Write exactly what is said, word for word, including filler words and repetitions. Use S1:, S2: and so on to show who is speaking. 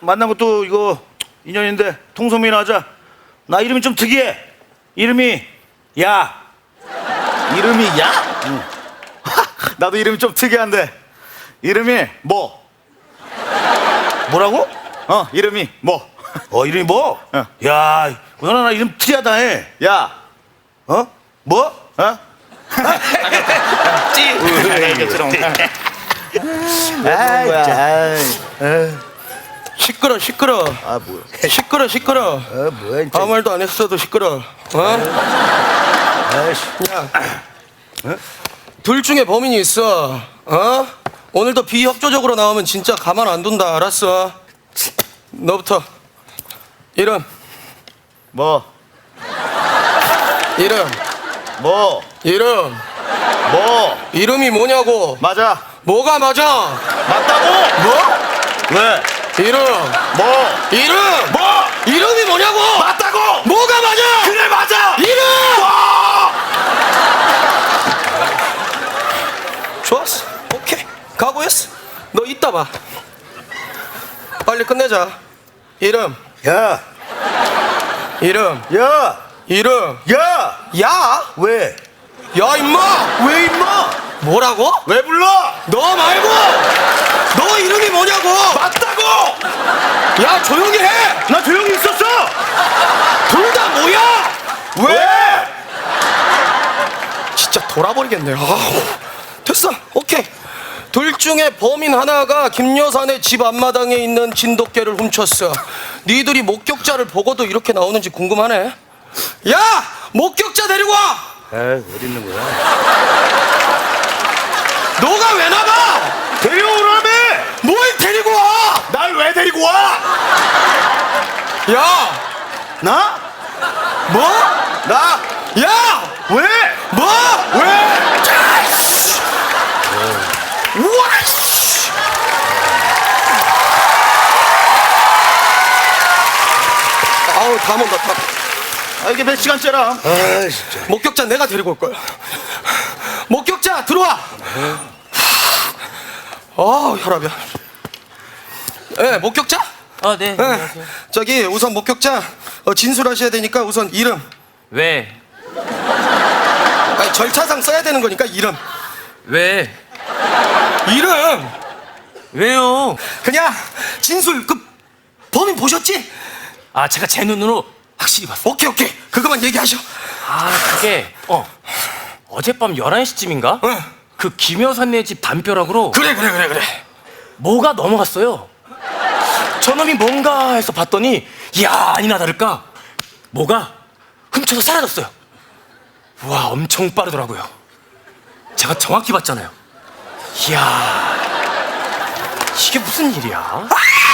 S1: 만난 것도 이거 인연인데 통성명이나 하자. 나 이름이 좀 특이해. 이름이 야.
S2: 이름이 야?
S1: 응.
S2: 나도 이름이 좀 특이한데 이름이 뭐?
S1: 뭐라고?
S2: 어 이름이 뭐?
S1: 어 이름이 뭐?
S2: 어.
S1: 야, 너나 나 이름 특이하다 해.
S2: 야
S1: 어? 뭐?
S2: 어?
S1: 찌.
S2: 아
S1: 거야?
S2: 진짜
S3: 시끄러 시끄러
S2: 아 뭐야
S3: 시끄러 시끄러
S2: 아 뭐야 진짜
S3: 아무 말도 안 했어도 시끄러 어?
S2: 아이씨
S3: 야, 둘 중에 범인이 있어 어? 오늘도 비협조적으로 나오면 진짜 가만 안 둔다 알았어 너부터 이름
S2: 뭐?
S3: 이름
S2: 뭐?
S3: 이름
S2: 뭐?
S3: 이름이 뭐냐고
S2: 맞아
S3: 뭐가 맞아
S2: 맞다고?
S3: 뭐?
S2: 왜?
S3: 이름
S2: 뭐?
S3: 이름
S2: 뭐?
S3: 이름이 뭐냐고
S2: 맞다고?
S3: 뭐가 맞아
S2: 그래 맞아
S3: 이름
S2: 뭐?
S3: 좋았어 오케이 각오했어 너 이따 봐 빨리 끝내자 이름
S1: 야,
S3: 이름
S1: 야,
S3: 이름
S1: 야.
S3: 야?
S1: 왜?
S3: 야 임마
S1: 왜 임마?
S3: 뭐라고?
S2: 왜 불러?
S3: 너 말고 너 이름이 뭐냐고
S2: 맞다고?
S3: 야 조용히 해
S1: 나 조용히 있었어.
S3: 둘 다 뭐야
S2: 왜?
S3: 진짜 돌아버리겠네 아우, 됐어 오케이 둘 중에 범인 하나가 김여산의 집 앞마당에 있는 진돗개를 훔쳤어 니들이 목격자를 보고도 이렇게 나오는지 궁금하네 야 목격자 데리고 와
S1: 아, 어디 있는 거야?
S3: 너가 왜 나가
S2: 데려오라며
S3: 뭘 데리고 와
S2: 날 왜 데리고 와?
S3: 야
S2: 나?
S3: 뭐?
S2: 나?
S3: 야
S2: 왜?
S3: 뭐?
S2: 왜?
S3: 우와 씨. 아우 다 먹다 다
S2: 아 이게 몇 시간째라
S1: 아, 진짜.
S3: 목격자 내가 데리고 올 거야 목격자 들어와 아 혈압이야 예 목격자
S4: 아, 네.
S3: 예
S4: 안녕하세요.
S3: 저기 우선 목격자 어, 진술하셔야 되니까 우선 이름
S4: 왜?
S3: 아니 절차상 써야 되는 거니까 이름
S4: 왜?
S3: 이름
S4: 왜요?
S3: 그냥 진술 그 범인 보셨지?
S4: 아, 제가 제 눈으로 확실히 봤어.
S3: 오케이 오케이 그거만 얘기하셔
S4: 아, 그게 어. 어젯밤 열한 시쯤인가?
S3: 응.
S4: 그 김여사네 집 담벼락으로
S3: 그래 그래 그래 그래
S4: 뭐가 넘어갔어요. 저놈이 뭔가 해서 봤더니 이야, 아니나 다를까 뭐가 훔쳐서 사라졌어요. 우와, 엄청 빠르더라고요. 제가 정확히 봤잖아요. 이야, 이게 무슨 일이야?
S3: 아!